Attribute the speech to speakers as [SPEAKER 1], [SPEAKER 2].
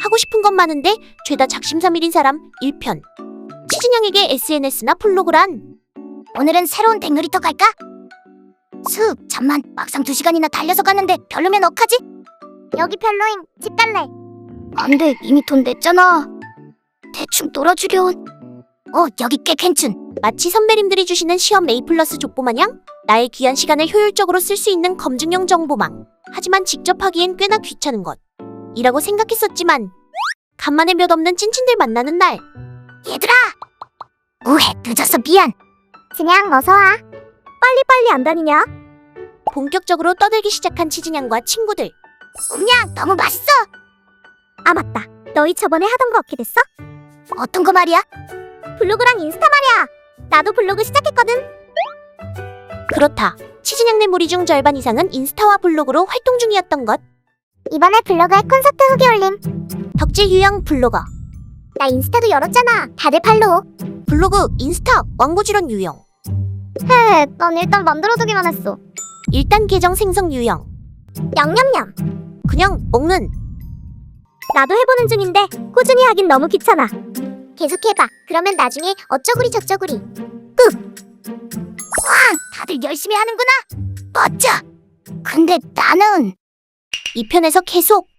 [SPEAKER 1] 하고 싶은 건 많은데 죄다 작심삼일인 사람 1편. 치즈냥에게 SNS나 블로그란.
[SPEAKER 2] 오늘은 새로운 100놀이터 갈까? 잠만, 막상 2시간이나 달려서 갔는데 별로면 어떡하지? 여기 별로임, 집 갈래. 안돼, 이미 돈 냈잖아. 대충 놀아주렴. 여기 꽤 괜춘.
[SPEAKER 1] 마치 선배님들이 주시는 시험 A+ 족보 마냥 나의 귀한 시간을 효율적으로 쓸 수 있는 검증용 정보망. 하지만 직접 하기엔 꽤나 귀찮은 것 이라고 생각했었지만 간만에 몇 없는 찐친들 만나는 날.
[SPEAKER 2] 얘들아! 우회, 늦어서 미안. 그냥 어서와. 빨리빨리 안 다니냐?
[SPEAKER 1] 본격적으로 떠들기 시작한 치즈냥과 친구들.
[SPEAKER 2] 음냥, 너무 맛있어.
[SPEAKER 3] 아 맞다. 너희 저번에 하던 거 어떻게 됐어?
[SPEAKER 2] 어떤 거 말이야?
[SPEAKER 3] 블로그랑 인스타 말이야. 나도 블로그 시작했거든.
[SPEAKER 1] 그렇다. 치즈냥네 무리 중 절반 이상은 인스타와 블로그로 활동 중이었던 것.
[SPEAKER 3] 이번에 블로그에 콘서트 후기 올림.
[SPEAKER 1] 덕질 유형 블로거.
[SPEAKER 3] 나 인스타도 열었잖아. 다들 팔로우.
[SPEAKER 1] 블로그, 인스타, 왕부지런 유형.
[SPEAKER 3] 헤, 난 일단 만들어두기만 했어.
[SPEAKER 1] 일단 계정 생성 유형.
[SPEAKER 3] 냠냠냠.
[SPEAKER 1] 그냥 먹는.
[SPEAKER 3] 나도 해보는 중인데 꾸준히 하긴 너무 귀찮아. 계속해봐. 그러면 나중에 어쩌구리 저쩌구리.
[SPEAKER 2] 다들 열심히 하는구나. 멋져. 근데 나는
[SPEAKER 1] 2편에서 계속